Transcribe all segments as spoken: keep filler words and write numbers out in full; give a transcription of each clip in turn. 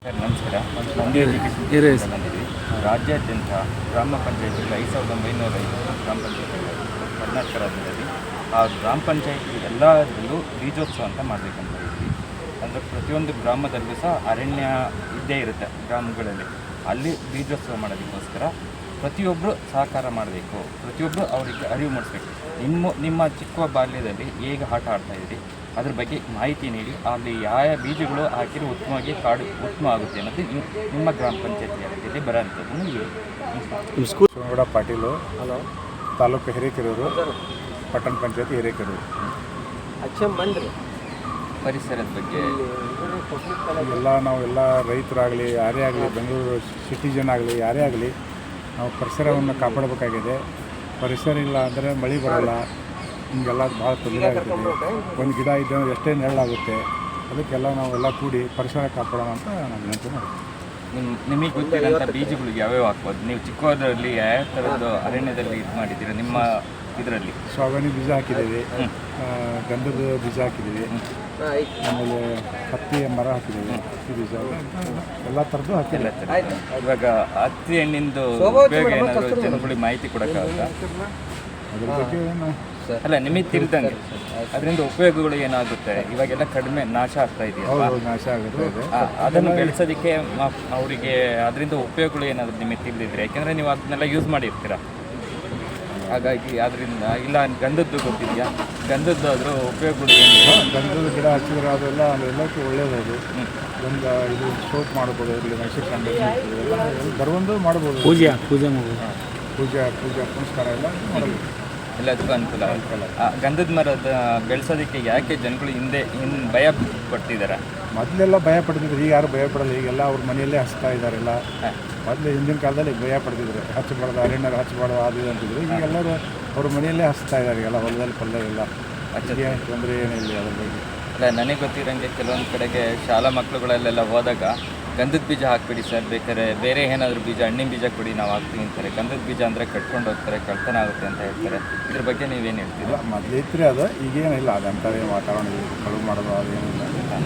Sir ನಮಸ್ಕಾರ. Mandya education ಬಂದಿದ್ವಿ. ರಾಜ್ಯಾದ್ಯಂತ ಗ್ರಾಮ ಪಂಚಾಯತಿಗಳು ಐದು ಸಾವಿರದ ಒಂಬೈನೂರ ಐದು ಗ್ರಾಮ ಪಂಚಾಯತಿಗಳು ಕರ್ನಾಟಕ ರಾಜ್ಯದಲ್ಲಿ ಆ ಗ್ರಾಮ ಪಂಚಾಯತಿ ಎಲ್ಲದರಲ್ಲೂ ಬೀಜೋತ್ಸವ ಅಂತ ಮಾಡಬೇಕಂತ ಇದ್ವಿ. ಅಂದರೆ ಪ್ರತಿಯೊಂದು ಗ್ರಾಮದಲ್ಲೂ ಸಹ ಅರಣ್ಯ ಇದ್ದೇ ಇರುತ್ತೆ ಗ್ರಾಮಗಳಲ್ಲಿ. ಅಲ್ಲಿ ಬೀಜೋತ್ಸವ ಮಾಡೋದಕ್ಕೋಸ್ಕರ ಪ್ರತಿಯೊಬ್ಬರು ಸಹಕಾರ ಮಾಡಬೇಕು, ಪ್ರತಿಯೊಬ್ಬರು ಅವರಿಗೆ ಅರಿವು ಮೂಡಿಸ್ಬೇಕು. ನಿಮ್ಮ ನಿಮ್ಮ ಚಿಕ್ಕ ಬಾಲ್ಯದಲ್ಲಿ ಹೇಗೆ ಆಟ ಆಡ್ತಾಯಿದ್ರಿ ಅದ್ರ ಬಗ್ಗೆ ಮಾಹಿತಿ ನೀಡಿ ಅಲ್ಲಿ ಯಾವ ಬೀಜಗಳು ಹಾಕಿದ್ರೆ ಉತ್ತಮವಾಗಿ ಕಾಡು ಉತ್ತಮ ಆಗುತ್ತೆ ಅನ್ನೋದು ನಿಮ್ಮ ಗ್ರಾಮ ಪಂಚಾಯತಿ ವ್ಯಾಪ್ತಿಯಲ್ಲಿ ಬರೋಂಥದ್ದನ್ನು ಹೇಳಿ. ಶಿವನಗೌಡ ಪಾಟೀಲು, ತಾಲೂಕು ಹಿರೇಕೆರೂರು, ಪಟ್ಟಣ ಪಂಚಾಯತಿ ಹಿರೇಕೆರೂರು. ಪರಿಸರದ ಬಗ್ಗೆ ಎಲ್ಲ ನಾವೆಲ್ಲ ರೈತರಾಗಲಿ, ಯಾರೇ ಆಗಲಿ, ಬೆಂಗಳೂರು ಸಿಟಿಜನ್ ಆಗಲಿ, ಯಾರೇ ಆಗಲಿ, ನಾವು ಪರಿಸರವನ್ನು ಕಾಪಾಡಬೇಕಾಗಿದೆ. ಪರಿಸರ ಇಲ್ಲ ಅಂದರೆ ಮಳೆ ಬರೋಲ್ಲ, ಹಿಂಗೆಲ್ಲ ಭಾಳ ತೊಂದರೆ ಆಗ್ತದೆ. ಒಂದು ಗಿಡ ಇದ್ದರೆ ಎಷ್ಟೇ ನೆರಳಾಗುತ್ತೆ. ಅದಕ್ಕೆಲ್ಲ ನಾವೆಲ್ಲ ಕೂಡಿ ಪರಿಸರ ಕಾಪಾಡೋಣ ಅಂತ ನಾನು ವಿನಂತಿ ಮಾಡ್ತೀನಿ. ನಿಮ್ಮ ನಿಮಗೆ ಗೊತ್ತಿರೋಂಥ ಬೀಜಗಳು ಯಾವ್ಯಾವ ಹಾಕ್ಬೋದು? ನೀವು ಚಿಕ್ಕದರಲ್ಲಿ ಯಾವ ಥರದ್ದು ಅರಣ್ಯದಲ್ಲಿ ಇದು ಮಾಡಿದ್ದೀರಾ ನಿಮ್ಮ ಇದರಲ್ಲಿ? ಸಾಗಣಿ ಬೀಜ ಹಾಕಿದ್ದೀವಿ, ಗಂಧದ ಬೀಜ ಹಾಕಿದ್ದೀವಿ, ಆಮೇಲೆ ಹತ್ತಿ ಮರ ಹಾಕಿದ್ದೀವಿ, ಹತ್ತಿ ಬೀಜ ಎಲ್ಲ ಥರದ್ದು ಹಾಕಿಲ್ಲ. ಇವಾಗ ಹತ್ತಿ ಹಣ್ಣಿಂದು ಉಪಯೋಗ ಏನಾದರೂ ಜನಗಳಿಗೆ ಮಾಹಿತಿ ಕೊಡೋಕ್ಕಾಗುತ್ತಾ? ಅದ್ರ ಬಗ್ಗೆ ಏನು ಅಲ್ಲ, ನಿಮಗೆ ತಿಳಿದಂಗೆ ಅದರಿಂದ ಉಪಯೋಗಗಳು ಏನಾಗುತ್ತೆ? ಇವಾಗೆಲ್ಲ ಕಡಿಮೆ ನಾಶ ಆಗ್ತಾ ಇದೆಯಲ್ಲ, ನಾಶ ಆಗುತ್ತೆ. ಅದನ್ನು ಬೆಳೆಸೋದಕ್ಕೆ ಅವರಿಗೆ ಅದರಿಂದ ಉಪಯೋಗಗಳು ಏನಾದರೂ ನಿಮಗೆ ತಿಳಿದಿದ್ರೆ, ಯಾಕೆಂದರೆ ನೀವು ಅದನ್ನೆಲ್ಲ ಯೂಸ್ ಮಾಡಿರ್ತೀರ. ಹಾಗಾಗಿ ಅದರಿಂದ ಇಲ್ಲ ಗಂಧದ್ದು ಗೊತ್ತಿದೆಯಾ? ಗಂಧದ್ದು ಅದರ ಉಪಯೋಗಗಳು ಏನು? ಗಂಧದ ಗಿಡ ಹಚ್ಚಿದ್ರೆ ಅದೆಲ್ಲ ಎಲ್ಲಕ್ಕೆ ಒಳ್ಳೆಯದು. ಗಂಧ ಇದು ಸೋಪ್ ಮಾಡ್ಬೋದು, ಇಲ್ಲಿ ಮೈಸೂರು ಕಂಡು ಎಲ್ಲ ಬರುವಂದು ಮಾಡ್ಬೋದು. ಪೂಜೆ ಪೂಜೆ ಮಾಡ್ಬೋದು, ಪೂಜೆ ಪೂಜೆ ಪುನಸ್ಕಾರ ಎಲ್ಲ ಮಾಡಬೇಕು. ಎಲ್ಲದಕ್ಕೂ ಅನುಕೂಲ ಅನುಕೂಲ ಗಂಧದ ಮರದ ಬೆಳೆಸೋದಕ್ಕೆ ಯಾಕೆ ಜನಗಳು ಹಿಂದೆ ಇನ್ನು ಭಯ ಪಡ್ತಿದ್ದಾರೆ? ಮೊದಲೆಲ್ಲ ಭಯ ಪಡ್ತಿದ್ರು, ಈಗ ಯಾರು ಭಯ ಪಡಲ್ಲ. ಈಗೆಲ್ಲ ಅವ್ರ ಮನೆಯಲ್ಲೇ ಹಚ್ತಾ ಇದ್ದಾರೆಲ್ಲ. ಮೊದಲು ಹಿಂದಿನ ಕಾಲದಲ್ಲಿ ಭಯ ಪಡ್ತಿದ್ರು, ಹಚ್ಚಬಾರ್ದು, ಅರಣ್ಯ ಹಚ್ಚಬಾರ್ದು, ಅದು ಇದು ಅಂತಿದ್ರು. ಈಗ ಎಲ್ಲರೂ ಅವ್ರ ಮನೆಯಲ್ಲೇ ಹಚ್ತಾ ಇದ್ದಾರೆ. ಎಲ್ಲ ಹೊಲದಲ್ಲಿ ಪಲ್ಯ ಎಲ್ಲ ಹಚ್ಚಿಗೆ ತೊಂದರೆ ಏನಿಲ್ಲ ಅದ್ರ ಬಗ್ಗೆ. ಅಲ್ಲ, ನನಗೆ ಗೊತ್ತಿರೋಂಗೆ ಕೆಲವೊಂದು ಕಡೆಗೆ ಶಾಲಾ ಮಕ್ಕಳುಗಳಲ್ಲೆಲ್ಲ ಹೋದಾಗ ಗಂಧದ ಬೀಜ ಹಾಕ್ಬಿಡಿ ಸರ್, ಬೇಕಾದ್ರೆ ಬೇರೆ ಏನಾದರೂ ಬೀಜ, ಹಣ್ಣಿನ ಬೀಜ ಕೊಡಿ ನಾವು ಹಾಕ್ತೀವಿ ಅಂತಾರೆ. ಗಂಧದ ಬೀಜ ಅಂದರೆ ಕಟ್ಕೊಂಡು ಹೋಗ್ತಾರೆ, ಕಳ್ತನ ಆಗುತ್ತೆ ಅಂತ ಹೇಳ್ತಾರೆ. ಇದ್ರ ಬಗ್ಗೆ ನೀವೇನು ಹೇಳ್ತೀರಾ? ಮೊದಲು ಇತ್ತು ಅದು, ಈಗೇನಿಲ್ಲ. ಅದಂಥವೇ ವಾತಾವರಣ ಕಳುವು ಮಾಡೋದು ಅದೇನಿಲ್ಲ.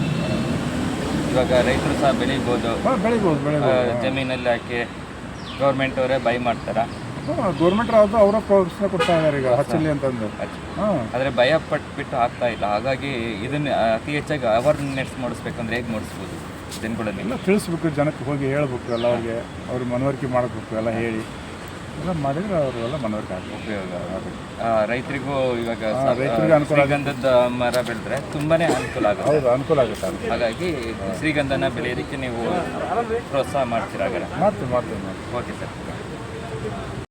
ಇವಾಗ ರೈತರು ಸಹ ಬೆಳಿಬೋದು, ಬೆಳಿಬೋದು ಬೆಳಿಬೋದು ಜಮೀನಲ್ಲಿ ಹಾಕಿ ಗೌರ್ಮೆಂಟ್ ಅವರೇ ಬೈ ಮಾಡ್ತಾರ. ಗೌರ್ಮೆಂಟ್ ಅದು ಅವರ ಪ್ರೋತ್ಸಾಹ ಕೊಡ್ತಾ ಇದ್ದಾರೆ ಈಗ ಹಚ್ಚಲಿ ಅಂತಂದು. ಹಾಂ, ಆದರೆ ಭಯ ಪಟ್ಬಿಟ್ಟು ಆಗ್ತಾ ಇಲ್ಲ. ಹಾಗಾಗಿ ಇದನ್ನು ಅತಿ ಹೆಚ್ಚಾಗಿ ಅವೇರ್ನೆಸ್ ಮೂಡಿಸ್ಬೇಕಂದ್ರೆ ಹೇಗೆ ಮೂಡಿಸ್ಬೋದು ಜನಗಳಲ್ಲಿ? ಎಲ್ಲ ತಿಳಿಸ್ಬೇಕು, ಜನಕ್ಕೆ ಹೋಗಿ ಹೇಳ್ಬೇಕು, ಎಲ್ಲ ಅವ್ರಿಗೆ ಅವ್ರಿಗೆ ಮನವರಿಕೆ ಮಾಡಬೇಕು. ಎಲ್ಲ ಹೇಳಿ ಎಲ್ಲ ಮಾಡಿದ್ರೆ ಅವರೆಲ್ಲ ಮನವರಿಕೆ ಆಗಬೇಕು, ಉಪಯೋಗ ಆಗುತ್ತೆ. ರೈತರಿಗೂ ಇವಾಗ ರೈತರಿಗೆ ಅನುಕೂಲ. ಶ್ರೀಗಂಧದ ಮರ ಬೆಳೆದ್ರೆ ತುಂಬಾ ಅನುಕೂಲ ಆಗುತ್ತೆ. ಹೌದು, ಅನುಕೂಲ ಆಗುತ್ತೆ. ಹಾಗಾಗಿ ಶ್ರೀಗಂಧನ ಬೆಳೆಯೋದಕ್ಕೆ ನೀವು ಪ್ರೋತ್ಸಾಹ ಮಾಡ್ತೀರಾ? ಹಾಗಾದ್ರೆ ಮಾಡ್ತೀವಿ ಮಾಡ್ತೀವಿ ಮಾಡ್ತೀವಿ ಓಕೆ ಸರ್.